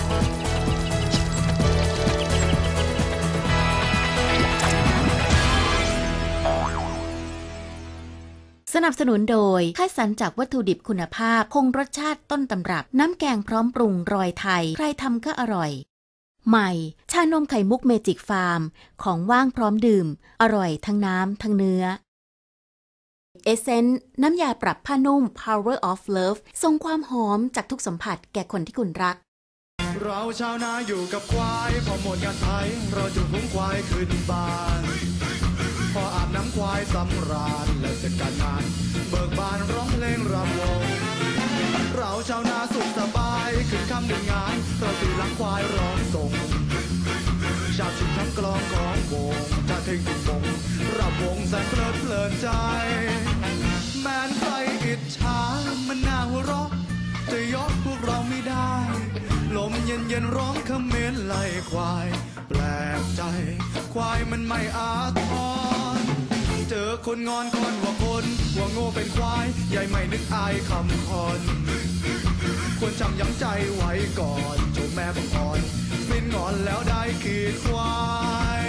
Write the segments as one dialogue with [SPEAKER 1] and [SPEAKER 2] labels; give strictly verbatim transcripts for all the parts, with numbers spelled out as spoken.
[SPEAKER 1] สนับสนุนโดยคัดสรรจากวัตถุดิบคุณภาพคงรสชาติต้นตำรับน้ำแกงพร้อมปรุงรอยไทยใครทำก็อร่อยใหม่ชานมไข่มุกเมจิกฟาร์มของว่างพร้อมดื่มอร่อยทั้งน้ำทั้งเนื้อเอเซนส์น้ำยาปรับผ้านุ่ม Power of Love ส่งความหอมจากทุกสัมผัสแก่คนที่คุณรัก
[SPEAKER 2] เราชาวนาอยู่กับควายพอหมดงานไถเราจะหุ้มควายขึ้นบ้านพออาบน้ำควายสำราญแล้วเสร็จการงานเบิกบานร้องเพลงรำวงเราชาวนาสุขสบายขึ้นคำหนึ่งงานเราตีหลังควายร้องส่งชาติชิงทั้งกลองของวงชาติเท่งตุ้งวงรับวงแสนเพลิดเพลินใจแม้นใครอิจฉามันน่าหัวเราะจะยกพวกเราไม่ได้ลมเย็นเย็นร้องคำเมนไล่ควายแปลกใจควายมันไม่อาทรเจอคนงอนคนว่าคนว่าโง่เป็นควายใหญ่ไม่นึกอายคำคอนควรจำย้ำใจไว้ก่อนโจแม่บังอ่อนสิ้นงอนแล้วได้ขีดควาย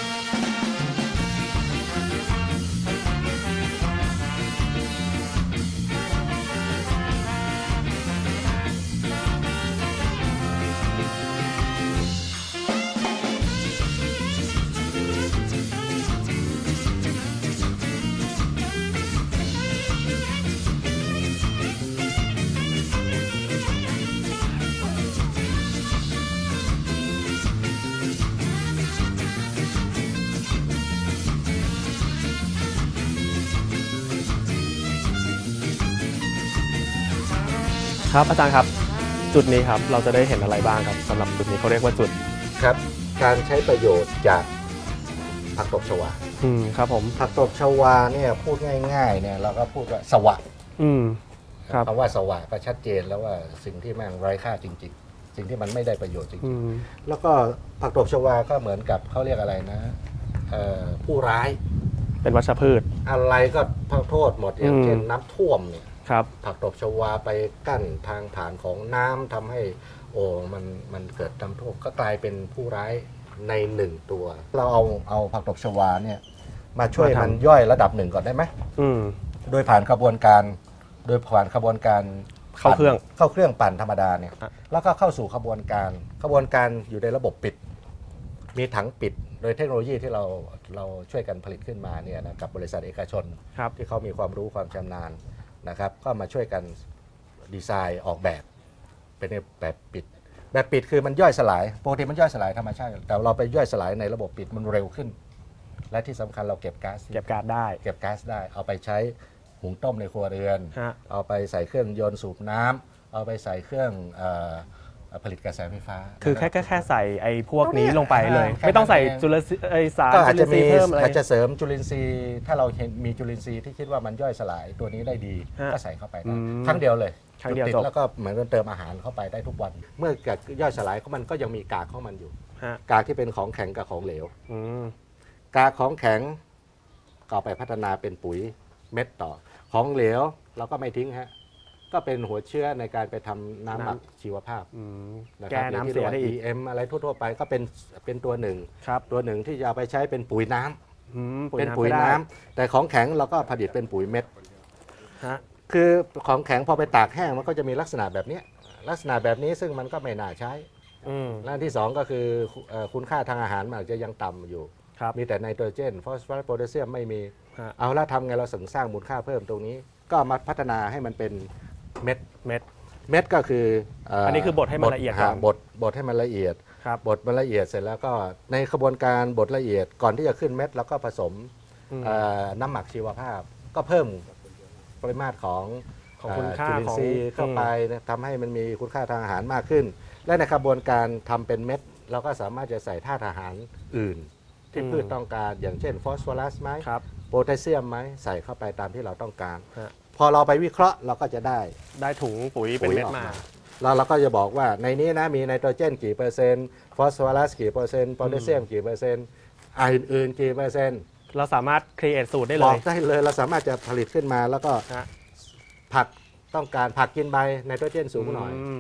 [SPEAKER 3] ครับอาจารย์ครับจุดนี้ครับเราจะได้เห็นอะไรบ้างครับสำหรับจุดนี้เขาเรียกว่าจุด
[SPEAKER 4] ครับการใช้ประโยชน์จากผักตบชวา
[SPEAKER 3] อืมครับผม
[SPEAKER 4] ผักตบชวาเนี่ยพูดง่ายๆเนี่ยเราก็พูดว่าสวะ
[SPEAKER 3] อืมครับ
[SPEAKER 4] คำว่าสวะก็ชัดเจนแล้วว่าสิ่งที่แม่งไร้ค่าจริงๆสิ่งที่มันไม่ได้ประโยชน์จริงๆแล้วก็ผักตบชวาก็เหมือนกับเขาเรียกอะไรนะผู้ร้าย
[SPEAKER 3] เป็นวัชพืช
[SPEAKER 4] อะไรก็โทษหมดอย่างเช่นน้ำท่วมเนี่ยผักตบชวาไปกั้นทางผ่านของน้ำทำให้โอ้มันมันเกิดน้ำท่วมก็กลายเป็นผู้ร้ายในหนึ่งตัวเราเอาเอาผักตบชวาเนี่ยมาช่วยมันย่อยระดับหนึ่งก่อนได้ไหมโดยผ่านกระบวนการโดยผ่านกระบวนการ
[SPEAKER 3] เข้าเครื่อง
[SPEAKER 4] เข้าเครื่องปั่นธรรมดาเนี่ยแล้วก็เข้าสู่กระบวนการกระบวนการอยู่ในระบบปิดมีถังปิดโดยเทคโนโลยีที่เราเราช่วยกันผลิตขึ้นมาเนี่ยนะกับบริษัทเอกชนที่เขามีความรู้ความชำนาญนะครับก็มาช่วยกันดีไซน์ออกแบบเป็นแบบปิดแบบปิดคือมันย่อยสลายปกติมันย่อยสลายธรรมชาติแต่เราไปย่อยสลายในระบบปิดมันเร็วขึ้นและที่สำคัญเราเก็บก๊าซ
[SPEAKER 3] เก็บก๊าซได้
[SPEAKER 4] เก็บก๊าซได้เอาไปใช้หุงต้มในครัวเรือนเอาไปใส่เครื่องยนต์สูบน้ำเอาไปใส่เครื่องผลิตกระแสไฟฟ้า
[SPEAKER 3] คือแค่แค่ใส่ไอ้พวกนี้ลงไปเลยไม่ต้องใส่จุลินทรีย์ไอสาร
[SPEAKER 4] ก็อาจจะมีเพิ่มอะไรอาจจะเสริมจุลินทรีย์ถ้าเราเห็นมีจุลินทรีย์ที่คิดว่ามันย่อยสลายตัวนี้ได้ดีก็ใส่เข้าไปได้ครั้งเดียวเลยติดแล้วก็เหมือนเติมอาหารเข้าไปได้ทุกวันเมื่อเกิดย่อยสลายของมันก็ยังมีกากของมันอยู่กากที่เป็นของแข็งกับของเหลวกากของแข็งก็ไปพัฒนาเป็นปุ๋ยเม็ดต่อของเหลวเราก็ไม่ทิ้งฮะก็เป็นหัวเชื้อในการไปทำน้ำหมักชีวภาพ
[SPEAKER 3] แก้น้ำเสียได้อีก
[SPEAKER 4] อี เอ็ม อะไรทั่วๆไปก็เป็นเป็นตัวหนึ่งตัวหนึ่งที่จะเอาไปใช้เป็นปุ๋ยน้ำเป็นปุ๋ยน้ำแต่ของแข็งเราก็ผลิตเป็นปุ๋ยเม็ดคือของแข็งพอไปตากแห้งมันก็จะมีลักษณะแบบนี้ลักษณะแบบนี้ซึ่งมันก็ไม่น่าใช้และที่สองก็คือคุณค่าทางอาหารมันอาจจะยังต่ำอยู่มีแต่ไนโตรเจนฟอสฟอรัสโพแทสเซียมไม่มีเอาละทำไงเราสร้างมูลค่าเพิ่มตรงนี้ก็มาพัฒนาให้มันเป็นเม็ด
[SPEAKER 3] เม็ด
[SPEAKER 4] เม็ดก็คือ
[SPEAKER 3] อันนี้คือบดให้มันละเอียดก่อน
[SPEAKER 4] บดบดให้มันละเอียดบดมันละเอียดเสร็จแล้วก็ในกระบวนการบดละเอียดก่อนที่จะขึ้นเม็ดแล้วก็ผสมน้ำหมักชีวภาพก็เพิ่มปริมาตรของจุลินทรีย์เข้าไปทำให้มันมีคุณค่าทางอาหารมากขึ้นและในกระบวนการทำเป็นเม็ดเราก็สามารถจะใส่ธาตุอาหารอื่นที่พืชต้องการอย่างเช่นฟอสฟอรัสไหมโพแทสเซียมไหมใส่เข้าไปตามที่เราต้องการพอเราไปวิเคราะห์เราก็จะได้
[SPEAKER 3] ได้ถุงปุ๋ยเป็นเม็ดมา
[SPEAKER 4] แล้วเราก็จะบอกว่าในนี้นะมีไนโตรเจนกี่เปอร์เซ็นต์ฟอสฟอรัสกี่เปอร์เซ็นต์โพแทสเซียมกี่เปอร์เซ็นต์อื่นๆกี่เปอร์เซ็นต์
[SPEAKER 3] เราสามารถครีเอทสูตรได้เลย
[SPEAKER 4] บอกได้เลยเราสามารถจะผลิตขึ้นมาแล้วก็ผักต้องการผักกินใบไนโตรเจนสูงหน่อย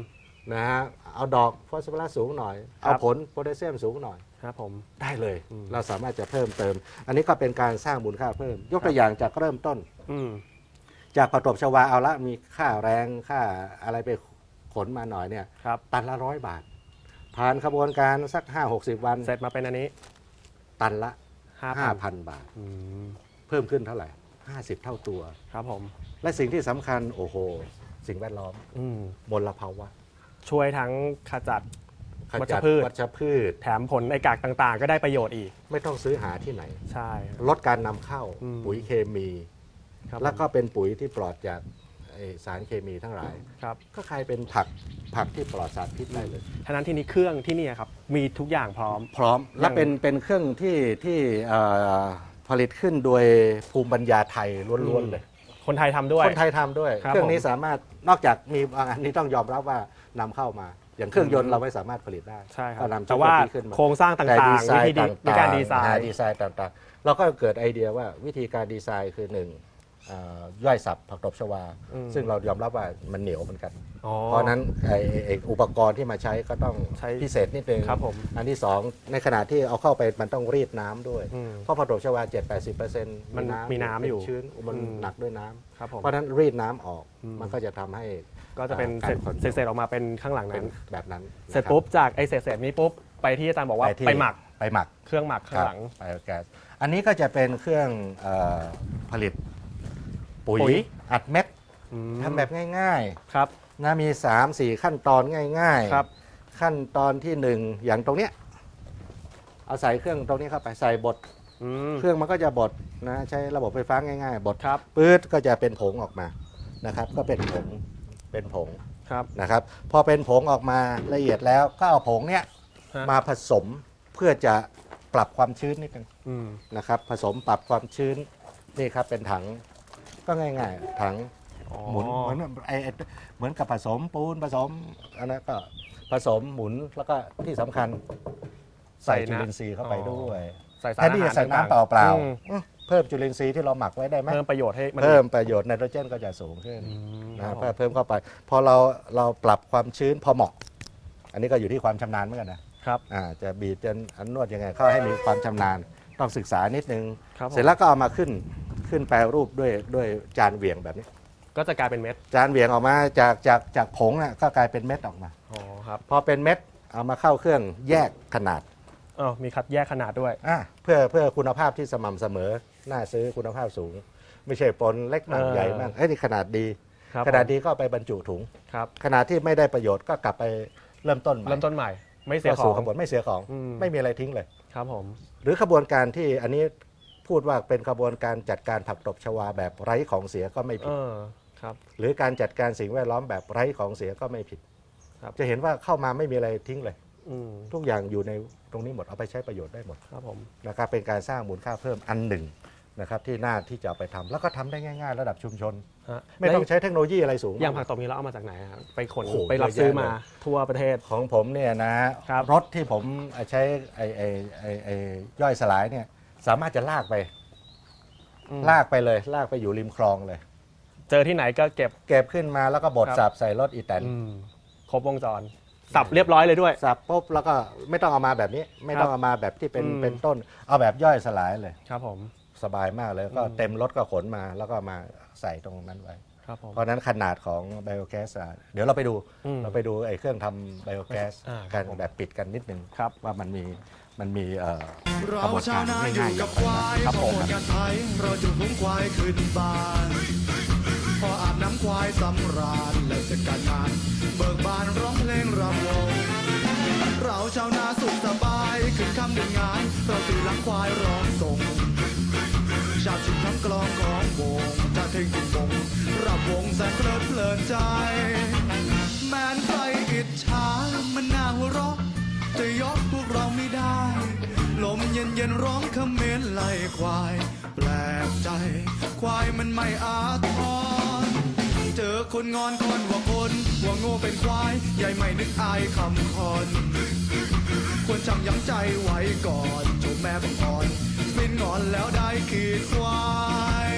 [SPEAKER 4] นะฮะเอาดอกฟอสฟอรัสสูงหน่อยเอาผลโพแทสเซียมสูงหน่อย
[SPEAKER 3] ครับผม
[SPEAKER 4] ได้เลยเราสามารถจะเพิ่มเติมอันนี้ก็เป็นการสร้างมูลค่าเพิ่มยกตัวอย่างจากเริ่มต้นจากผักตบชวาเอาละมีค่าแรงค่าอะไรไปขนมาหน่อยเนี่ยตันละร้อยบาทผ่านขบวนการสักห้าหกสิบวัน
[SPEAKER 3] เสร็จมาเป็นอันนี้
[SPEAKER 4] ตันละห้าพันบาทเพิ่มขึ้นเท่าไหร่ห้าสิบเท่าตัว
[SPEAKER 3] ครับผม
[SPEAKER 4] และสิ่งที่สำคัญโอ้โหสิ่งแวดล้อมมลภาวะ
[SPEAKER 3] ช่วยทั้งขจัด
[SPEAKER 4] วัชพืชวัชพืช
[SPEAKER 3] แถมผลไอกากต่างๆก็ได้ประโยชน์อีก
[SPEAKER 4] ไม่ต้องซื้อหาที่ไหน
[SPEAKER 3] ใช่
[SPEAKER 4] ลดการนำเข้าปุ๋ยเคมีแล้วก็เป็นปุ๋ยที่ปลอดจากสารเคมีทั้งหลายก็กลายเป็นผักผักที่ปลอดสารพิษได้เลย
[SPEAKER 3] ฉะนั้นที่นี้เครื่องที่นี่ครับมีทุกอย่างพร้อม
[SPEAKER 4] พร้อมและเป็นเป็นเครื่องที่ที่ผลิตขึ้นโดยภูมิปัญญาไทยล้วนๆเลย
[SPEAKER 3] คนไทยทำด้วย
[SPEAKER 4] คนไทยทำด้วยเครื่องนี้สามารถนอกจากมีอันนี้ต้องยอมรับว่านำเข้ามาอย่างเครื่องยนต์เราไม่สามารถผลิตได้
[SPEAKER 3] ใช่ครับแต่ว่าโครงสร้างต่างๆวิธีในการดีไซน์
[SPEAKER 4] ดีไซน์ต่างๆเราก็เกิดไอเดียว่าวิธีการดีไซน์คือหนึ่งย่อยสับผักตบชวาซึ่งเรายอมรับว่ามันเหนียวเหมือนกันเพราะนั้นไออุปกรณ์ที่มาใช้ก็ต้องพิเศษนิดนึงอันที่สองในขณะที่เอาเข้าไปมันต้องรีดน้ำด้วยเพราะผักตบชวา เจ็ดถึงแปดสิบเปอร์เซ็นต์
[SPEAKER 3] มันมีน้ำอยู่
[SPEAKER 4] ชื้นมันหนักด้วยน้ำเพราะนั้นรีดน้ำออกมันก็จะทำให้
[SPEAKER 3] ก็จะเป็นเศษๆออกมาเป็นข้างหลังนั้น
[SPEAKER 4] แบบนั้น
[SPEAKER 3] เสร็จปุ๊บจากไอเศษๆนี้ปุ๊บไปที่อาจารย์บอกว่าไปหมัก
[SPEAKER 4] ไปหมัก
[SPEAKER 3] เครื่องหมักข้างหลัง
[SPEAKER 4] ไบโอแก๊สอันนี้ก็จะเป็นเครื่องผลิตปุ๋ยอัดเม็ดทำแบบง่าย
[SPEAKER 3] ๆครับ
[SPEAKER 4] นะมี สามสี่ ขั้นตอนง่ายๆครับขั้นตอนที่หนึ่งอย่างตรงเนี้ยเอาใส่เครื่องตรงนี้เข้าไปใส่บดเครื่องมันก็จะบดนะใช้ระบบไฟฟ้าง่ายๆบดปื๊ดก็จะเป็นผงออกมานะครับก็เป็นผงเป็นผงนะครับพอเป็นผงออกมาละเอียดแล้วก็เอาผงเนี้ยมาผสมเพื่อจะปรับความชื้นนิดนึงนะครับผสมปรับความชื้นนี่ครับเป็นถังก็ง่ายๆถังหมุนเหมือนไอเหมือนกับผสมปูนผสมอันนั้นก็ผสมหมุนแล้วก็ที่สำคัญใส่จุลินทรีย์เข้าไปด้วยแทนที่จะใส่น้ำเปล่าๆเพิ่มจุลินทรีย์ที่เราหมักไว้ได้ไหม
[SPEAKER 3] เพิ่มประโยชน์ให้
[SPEAKER 4] เพิ่มประโยชน์ไนโตรเจนก็จะสูงขึ้นนะเพิ่มเข้าไปพอเราเราปรับความชื้นพอเหมาะอันนี้ก็อยู่ที่ความชำนาญเหมือนกันนะครับจะบีบจะนวดยังไงเข้าให้มีความชำนาญต้องศึกษานิดนึงเสร็จแล้วก็เอามาขึ้นขึ้นแปรรูปด้วยด้วยจานเหวี่ยงแบบนี้
[SPEAKER 3] ก็จะกลายเป็นเม็ด
[SPEAKER 4] จานเหวี่ยงออกมาจากจากจากผงน่ะก็กลายเป็นเม็ดออกมา
[SPEAKER 3] อ๋อครับ
[SPEAKER 4] พอเป็นเม็ดเอามาเข้าเครื่องแยกขนาด
[SPEAKER 3] อ๋อมีคัดแยกขนาดด้วย
[SPEAKER 4] อ่าเพื่อเพื่อคุณภาพที่สม่ำเสมอน่าซื้อคุณภาพสูงไม่ใช่ปนเล็กมากใหญ่มากเอ้ยนี่ขนาดดีขนาดดีก็ไปบรรจุถุง
[SPEAKER 3] ครับ
[SPEAKER 4] ขนาดที่ไม่ได้ประโยชน์ก็กลับไปเริ่มต้นใหม่
[SPEAKER 3] เริ่มต้นใหม่ไม่เสียของ
[SPEAKER 4] ขบวนไม่เสียของไม่มีอะไรทิ้งเลย
[SPEAKER 3] ครับผม
[SPEAKER 4] หรือขบวนการที่อันนี้พูดว่าเป็นขบวนการจัดการผักตบชวาแบบไร้ของเสียก็ไม่ผิด
[SPEAKER 3] ครับ
[SPEAKER 4] หรือการจัดการสิ่งแวดล้อมแบบไร้ของเสียก็ไม่ผิดจะเห็นว่าเข้ามาไม่มีอะไรทิ้งเลยทุกอย่างอยู่ในตรงนี้หมดเอาไปใช้ประโยชน์ได้หมด
[SPEAKER 3] ครับผม
[SPEAKER 4] นะครับเป็นการสร้างมูลค่าเพิ่มอันหนึ่งนะครับที่น่าที่จะไปทำแล้วก็ทำได้ง่ายๆระดับชุมชนไม่ต้องใช้เทคโนโลยีอะไรสูง
[SPEAKER 3] อย่างผักตบนี้เราเอามาจากไหนครับไปขนไปรับซื้อมาทั่วประเทศ
[SPEAKER 4] ของผมเนี่ยนะรถที่ผมใช้ไอ้ไอ้ไอ้ไอ้ย่อยสลายเนี่ยสามารถจะลากไปลากไปเลยลากไปอยู่ริมคลองเลย
[SPEAKER 3] เจอที่ไหนก็เก็บ
[SPEAKER 4] เก็บขึ้นมาแล้วก็บดสับใส่รถอีแตน
[SPEAKER 3] ครบวงจรสับเรียบร้อยเลยด้วย
[SPEAKER 4] สับปุ๊บแล้วก็ไม่ต้องเอามาแบบนี้ไม่ต้องเอามาแบบที่เป็นเป็นต้นเอาแบบย่อยสลายเลย
[SPEAKER 3] ครับผม
[SPEAKER 4] สบายมากเลยก็เต็มรถก็ขนมาแล้วก็มาใส่ตรงนั้นไว้เพราะนั้นขนาดของไบโอแก๊สเดี๋ยวเราไปดูเราไปดูไอ้เครื่องทำไบโอแก๊สกันแบบปิดกันนิดนึงว่ามันมีมันมีกระบวนการง่ายๆอย่างไร
[SPEAKER 2] ครับผมกันไทยเราจุดหุ้งควายขึ้นบ้านพออาบน้ำควายสำราญแล้วเสร็จการงานเบิกบานร้องเพลงรำวงเราชาวนาสุขสบายขึ้นคำหนึ่งงานเราตีหลังควายร้องส่งชาติชิงทั้งกลองของวงจะเท่งจุงวงรับวงแสนเพลิดเพลินใจแม้นใครอิจฉามันน่าหัวเราะจะยกพวกเราไม่ได้ลมเย็นเย็นร้องคำเมนไล่ควายแปลกใจควายมันไม่อาทรเจอคนงอนคนว่าคนว่าโง่เป็นควายใหญ่ไม่นึกอายคำคอนควรจำยั้งใจไว้ก่อนชมแม่บังอ่อนสิ้นงอนแล้วได้ขีดควาย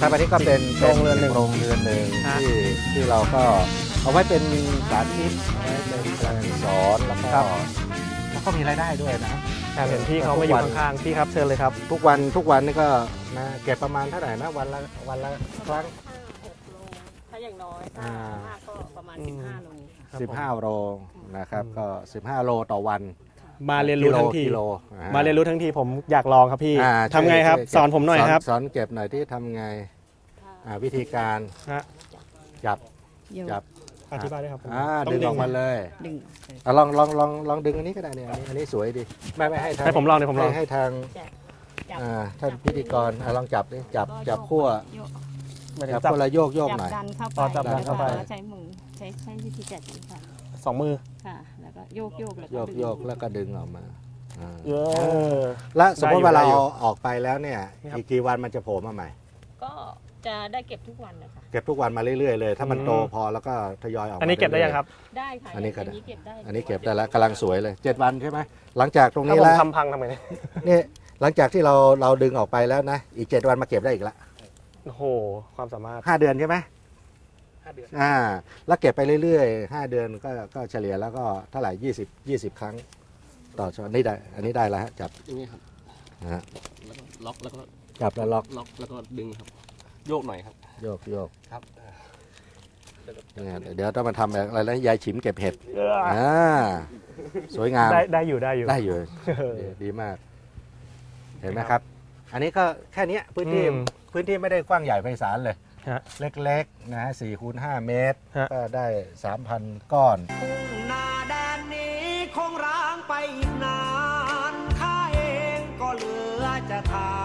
[SPEAKER 4] ครับอันนี้ก็เป็น
[SPEAKER 3] โรงเรือนหนึ่ง
[SPEAKER 4] โรงเรือนหนึ่ง
[SPEAKER 3] ฮะ
[SPEAKER 4] ที่ที่เราก็เอาไว้เป็นสาธิตเอาไว้เป็นการสอนแล้วก็แล้วก็มีรายได้ด้วยนะ
[SPEAKER 3] แอบเห็นพี่เขามาอยู่ข้างๆพี่ครับเชิญเลยครับ
[SPEAKER 4] ทุกวันทุกวันนี่ก็นะเก็บประมาณเท่าไหร่นะวันละวันละครั้ง
[SPEAKER 5] หกโลถ้าอย่างน้อยถ้า
[SPEAKER 4] อ่า
[SPEAKER 5] มากก็ประมาณ
[SPEAKER 3] อืม
[SPEAKER 5] สิบห้าโลค่ะ
[SPEAKER 4] สิบห้าโลนะครับก็สิบห้าโลต่อวัน
[SPEAKER 3] มาเรียนรู้ทั้งที
[SPEAKER 4] กิโลกิโล
[SPEAKER 3] มาเรียนรู้ทั้งทีผมอยากลองครับพี่
[SPEAKER 4] อ่า
[SPEAKER 3] ทำไงครับ
[SPEAKER 4] ช่วย
[SPEAKER 3] สอนผมหน่อยครับ
[SPEAKER 4] สอนเก็บหน่อยที่ทำไงอ่าวิธีการ
[SPEAKER 3] ฮะ
[SPEAKER 4] จับ
[SPEAKER 5] โยก
[SPEAKER 4] จับ
[SPEAKER 3] อธิบายด้วยครับผม
[SPEAKER 4] อ่า
[SPEAKER 3] ต้
[SPEAKER 4] ดึงออกมาเลย
[SPEAKER 5] ดึง
[SPEAKER 4] อ่ะลองลองลองลองดึงอันนี้ก็ได้เนี่ยอันนี้อันนี้สวยดีไม่ไม่ให้ทาง
[SPEAKER 3] ให้ผมลองเดี๋ยวผมลอง
[SPEAKER 4] ให้ให้ทาง
[SPEAKER 5] จับ
[SPEAKER 4] อ่าท่านพิธีกรอ่ะลองจับดิจับจับขั้ว
[SPEAKER 5] โยก
[SPEAKER 3] ไม่ได้
[SPEAKER 4] จับ
[SPEAKER 3] จับ
[SPEAKER 4] ขั้วแล้วโยกโยก
[SPEAKER 5] จับ
[SPEAKER 4] หน่อย
[SPEAKER 5] ดันเข้าไป
[SPEAKER 3] อ๋อจับดันเข้าไป
[SPEAKER 5] แล้วก็ใช้มือใช้ใช้วิธีจับนี้ค่ะ
[SPEAKER 3] สองมือ
[SPEAKER 5] ค่ะ แล้วก็โยกโยกแล้ว
[SPEAKER 4] โย
[SPEAKER 5] ก็
[SPEAKER 4] ก
[SPEAKER 5] ดึง
[SPEAKER 4] โยกแล้วก็ดึงออกมาอ่า
[SPEAKER 3] เยอะ
[SPEAKER 4] แล้วสมมติว่า
[SPEAKER 3] ได้
[SPEAKER 4] เรา
[SPEAKER 3] อยู่
[SPEAKER 4] ออกไปแล้วเนี่ย
[SPEAKER 3] นี่ครับ
[SPEAKER 4] อีกกี่วันมันจะโผล่มาใหม่
[SPEAKER 5] ก็จะได้เก็บทุกวันนะคะ
[SPEAKER 4] เก็บทุกวันมาเรื่อยๆเลย ถ้ามัน
[SPEAKER 3] อืม
[SPEAKER 4] โตพอแล้วก็ทยอยออกมา
[SPEAKER 3] อันนี้เก็บได้ยังครับ
[SPEAKER 5] ได้ค่ะ
[SPEAKER 4] อันนี้ก็ได้
[SPEAKER 5] ย่างเก็บได้
[SPEAKER 4] อันนี้เก็บได้แล้วกำลังสวยเลยเจ็ดวันใช่ไหมหลังจากตรง
[SPEAKER 3] ถ้า
[SPEAKER 4] นี้
[SPEAKER 3] ผม
[SPEAKER 4] แล้ว
[SPEAKER 3] ทำพังทำไงเนี่ย
[SPEAKER 4] นี่หลังจากที่เราเราดึงออกไปแล้วนะอีกเจ็ดวันมาเก็บได้อีกละ
[SPEAKER 3] โอ้โหความสามารถ
[SPEAKER 4] ห้าเดือนใช่ไหม
[SPEAKER 3] ห้าเดือน
[SPEAKER 4] อ่าแล้วเก็บไปเรื่อยๆห้าเดือนก็ก็เฉลี่ยแล้วก็เท่าไหร่ยี่สิบยี่สิบครั้งต่อช้อนนี่ได้อันนี้ได้แล้วฮะจับ
[SPEAKER 6] อย่างนี้ครับ
[SPEAKER 4] นะฮะ
[SPEAKER 6] แล้วก็ล็อกแล้วก็
[SPEAKER 4] จับแล้วล็อก
[SPEAKER 6] ล็อกแล้วก็ดึงครับ โยกหน่อยครับ
[SPEAKER 4] โยกโยก
[SPEAKER 6] ครับ
[SPEAKER 4] เนี่ยเดี๋ยวต้องมาทำอะไรนะยายฉิมเก็บเห็ด
[SPEAKER 3] เออ
[SPEAKER 4] อ่าสวยงาม
[SPEAKER 3] ได้ได้อยู่ได้อยู่
[SPEAKER 4] ได้อยู่ดีดีมาก เห็นไหมครับ อันนี้ก็แค่เนี้ยพื้นที่
[SPEAKER 3] อืม
[SPEAKER 4] พื้นที่ไม่ได้กว้างใหญ่ไพศาลเลย
[SPEAKER 3] ฮะ
[SPEAKER 4] เล็กๆนะฮะสี่คูณห้าเมตร
[SPEAKER 3] ฮะ
[SPEAKER 4] ก็ได้สามพันก้อน
[SPEAKER 7] นาแดนนี้คงร้างไปอีกนานข้าเองก็เหลือจะทาน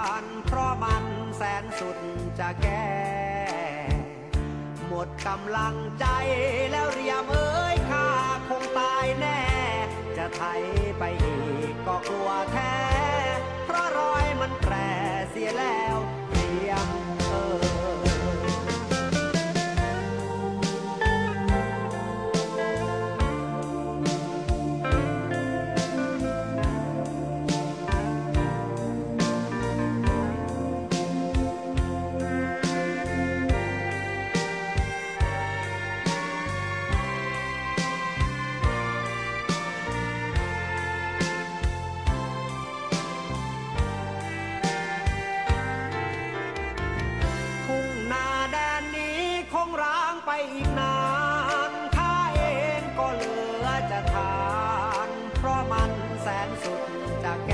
[SPEAKER 7] เพราะมันแสนสุดจะแก้ หมดกำลังใจแล้วเรียมเอ้ยข้าคงตายแน่ จะไถไปอีกก็กลัวแท้ เพราะรอยมันแปรเสียแล้วเรียมเอ้ย ทุ่งนาแดนนี้คงร้างไปอีกนานข้าเองก็เหลือจะทาน เพราะมันแสนสุดจะแก้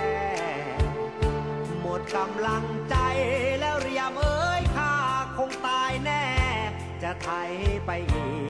[SPEAKER 7] หมดกำลังใจแล้วเรียมเอ้ยข้าคงตายแน่ จะไถไปอีก